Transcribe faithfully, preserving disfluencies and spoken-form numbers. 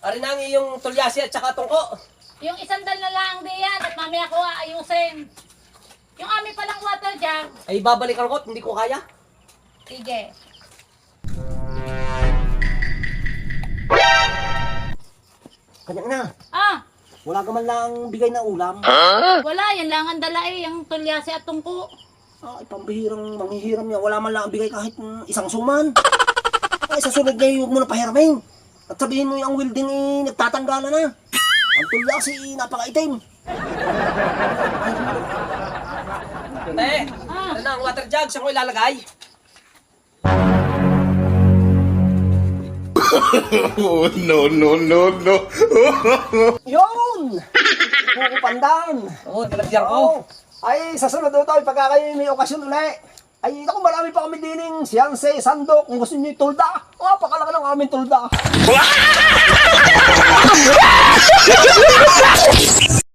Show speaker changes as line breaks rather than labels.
Ari na ang iyong tulyasi at saka tungko.
Yung isang dal na lang diyan at mamaya ko aayusin. Yung amin palang water jug.
Ay babalikan ko at hindi ko kaya.
Sige.
Kanya na.
Ah,
Wala ka man lang bigay na ulam.
wala. Yan lang ang dala eh. Yung tulyasi at tungko.
Ay, pambihirang manghihiram niya. Wala man lang ang bigay kahit mm, isang suman. Ay, sa sunod niya, huwag mo na pahiramin. At sabihin mo yung welding eh, nagtatanggala na. Ang tulyasi, napakaitim. Te,
Ah.
ano na ang water jug? Saan ko ilalagay?
Oh, no, no, no, no.
Yun! Pukupandan!
Oo, nalagyan ko.
Oo. Ay, sa sunod ito, pagka kayo may okasyon ulit. Ay, naku, marami pa kami dining siyanse, sandok, kung gusto nyo yung tulda. Oh, pakalaki ng aming tulda.